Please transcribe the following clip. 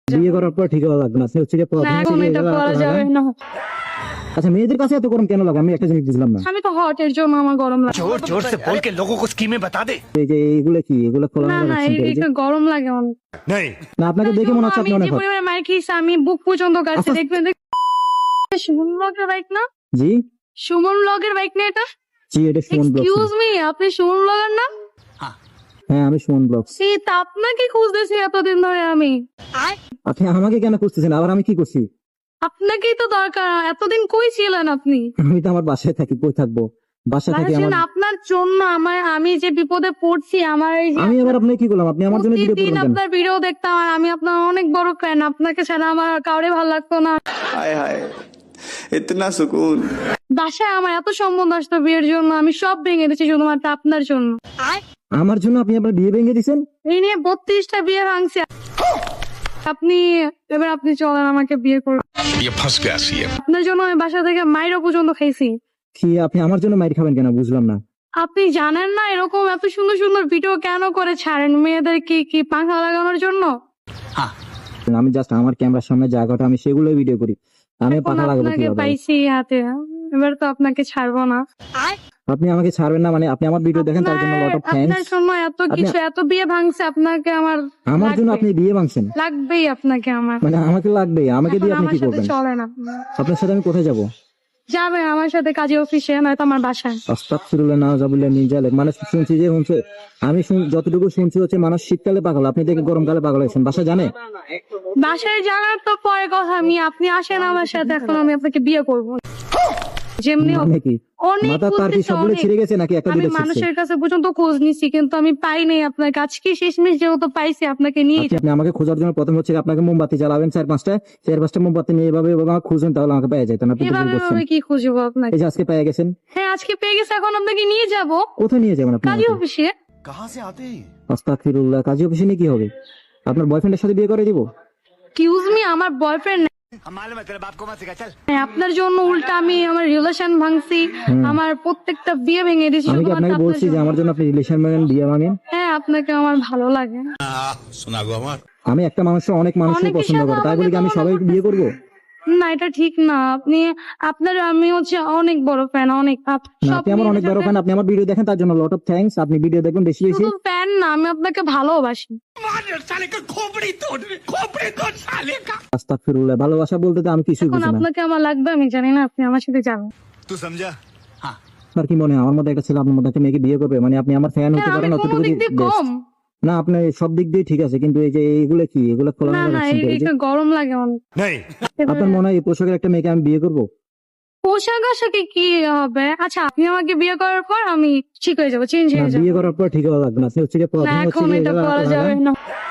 বিয়ে করার পর ঠিক হওয়া লাগবে না, সে হচ্ছে যে না এখন এটা করা যাবে না। আচ্ছা মেয়েদের কাছে এত গরম কেন লাগে আমি একটা জিনিস বুঝলাম না। আমি তো হট এর জন্য আমার গরম লাগে। जोर जोर से बोल के लोगों को स्कीमें बता दे। এই যে এইগুলো কি এগুলো খোলা না না এটা গরম লাগে অনেক। नहीं না আপনাকে দেখে মনে হচ্ছে আমি আপনি অনেক যে hot। পরিমাণে মার খেয়েছি আমি বুক পর্যন্ত কাটছে। আচ্ছা। দেখবেন সুমন ব্লগের বাইক না? জি সুমন ব্লগের বাইক না এটা? জি এটা সুমন ব্লগ। এক্সকিউজ মি, আপনি সুমন ব্লগার না? হ্যাঁ আমি সুমন ব্লগ। সে তা আপনাকে খুঁজতেছি এতদিন ধরে আমি। আপনি আমাকে কেন খুঁজতেছেন, আবার আমি কি করছি? আপনাকেই তো দরকার। এতদিন কই ছিলেন আপনি? আমি তো আমার বাসায় থাকি, কই থাকবো? বাসা থেকে ভাবছেন আমার আপনার জন্য আমি যে বিপদে পড়ছি আমার এই যে আমি আবার আপনাকে কি করলাম? আপনি আমার জন্য ভিডিও প্রতিদিন করবেন কেন? আপনার ভিডিও দেখতাম আর আমি আপনার অনেক বড় ফ্যান। আপনাকে ছাড়া আমার কাউরে ভালো লাগতো না। हाय हाय इतना सुकून। বাসায় আমার এত সম্বন্ধ আসতো বিয়ের জন্য, আমি সব ভেঙে দিচ্ছি শুধুমাত্র আপনার জন্য। আমার জন্য আপনি আপনার বিয়ে ভেঙে দিয়েছেন? এই নিয়ে 32টা বিয়ে ভাঙছে আপনি। এবার আপনি চলেন আমাকে বিয়ে করুন। ये फंस गया सीएम। আপনার জন্য আমি বাসা থেকে মাইরও পর্যন্ত খাইছি। কি আপনি আমার জন্য মাইর খাবেন কেন বুঝলাম না। আপনি জানেন না এরকম এত সুন্দর সুন্দর ভিডিও কেন করে ছাড়েন মেয়েদের কি পাখা লাগানোর জন্য? আমি জাস্ট আমার ক্যামেরার সামনে জায়গাটা আমি সেগুলো ভিডিও করি, আমি এখন পাখা লাগাবো আপনাকে কিভাবে? পাইছি হাতে, এবার তো আপনাকে ছাড়বো না। আপনি আমাকে ছাড়বেন না মানে? আপনি আমার ভিডিও দেখেন তার জন্য লট অফ আপনার থ্যাঙ্কস। জন্য এত কিছু এত বিয়ে ভাঙছে আপনাকে আমার আমার জন্য লাগবে। আপনি বিয়ে ভাঙছেন লাগবেই আপনাকে আমার। মানে? আমাকে লাগবে, আমাকে দিয়ে এখন আপনি আমার কি সাথে করবেন? চলে না। আপনার সাথে আমি কোথায় যাবো? যাবেন আমার সাথে কাজে অফিসে, নয়তো আমার বাসায়। আস্তাগফিরুল্লাহ নাউজুবিল্লাহ মিন যালিক। মানে শুনছি যে আমি যতটুকু শুনছি হচ্ছে মানুষ শীতকালে পাগল, আপনি দেখে গরমকালে পাগল হয়েছেন। বাসা জানে? বাসায় যাওয়ার তো পরে কথা, আপনি আসেন আমার সাথে, এখন আমি আপনাকে বিয়ে করবো যেমনি হোক। মানে কি অনেক মাথা তার কি খুঁজতেছি, সবগুলো অনেক। ছিঁড়ে গেছে নাকি একটা আমি দুটো ছিঁড়ছে? মানুষের কাছে পর্যন্ত খোঁজ নিছি কিন্তু আমি পাই নাই আপনাকে। আজকে শেষমেশ যেহেতু পাইছি আপনাকে নিয়ে আপনি আমাকে খোঁজার জন্য প্রথম হচ্ছে আপনাকে মোমবাতি জ্বালাবেন 4-5টা মোমবাতি নিয়ে এভাবে আমাকে খুঁজেন, তাহলে আমাকে পেয়ে যেতেন। আপনি তো ভুল এভাবে করছেন। এভাবে কি খুঁজবো আপনাকে? এই যে আজকে পেয়ে গেছেন। হ্যাঁ আজকে পেয়ে গেছে, এখন আপনাকে নিয়ে যাব কোথায় নিয়ে যাবেন আপনি কাজে আমাকে? অফিসে। कहाँ से आते हैं? আস্তাগফিরুল্লাহ, কাজী অফিসে নিয়ে কি হবে? আপনার বয়ফ্রেন্ডের সাথে বিয়ে করে দিব? এক্সকিউজ মি, আমার বয়ফ্রেন্ড हम मालूम है तेरे बाप को मत सिखा चल। আপনার জন্য উল্টা আমি আমার রিলেশন ভাঙছি, আমার প্রত্যেকটা বিয়ে ভেঙে দিয়েছি আমি কি শুধুমাত্র আপনাকে আপনার বলছি যে জন্য। আমার জন্য আপনি রিলেশন ভাঙেন, বিয়ে ভাঙেন? হ্যাঁ আপনাকে আমার ভালো লাগে। सुना गो हमार। আমি একটা মানুষের অনেক মানুষই অনেকের পছন্দ সাথে করে, তাই বলি কি আমি আমাকে সবাই তুলনা বিয়ে করবো? না এটা ঠিক না। আপনার আমি হচ্ছে অনেক বড় ফ্যান, অনেক না সব আপনি আমার অনেক মেয়েদের বড় সাথে- ফ্যান, আপনি আমার ভিডিও দেখেন তার জন্য লট অফ থ্যাঙ্কস। আপনি ভিডিও দেখবেন বেশি বেশি। শুধু ফ্যান না, আমি আপনাকে ভালোবাসি। साले का खोपड़ी तोड़ साले का। আস্তাগফিরুল্লাহ, ভালোবাসা বলতে তো আমি কিছুই এখন বুঝি না। আপনাকে আমার লাগবে আমি জানি না, আপনি আমার সাথে যাবেন। तू समझा? আপনার কি মনে হয় আমার মধ্যে একটা ছেলে আপনার মধ্যে একটা মেয়েকে বিয়ে করবে? মানে আপনি আমার ফ্যান হতে হ্যাঁ, পারেন আমি কোনো অতটুকু দিক দিয়ে best। কম না আপনার সব দিক দিয়ে ঠিক আছে, কিন্তু এই যে এইগুলো কি এগুলো খোলা না না এটা গরম লাগে অনেক। नहीं আপনার মনে হয় এই পোশাকের একটা মেয়েকে আমি বিয়ে করবো? পোশাক আশাকে কি হবে? আচ্ছা আপনি আমাকে বিয়ে করার পর আমি ঠিক হয়ে যাবো, চেঞ্জ না হয়ে যাবো। বিয়ে করার পর ঠিক হওয়া লাগবে না, সে হচ্ছে যে না প্রথমে হচ্ছে এখন যে এটা এগুলো করা যাবে লাগান। না।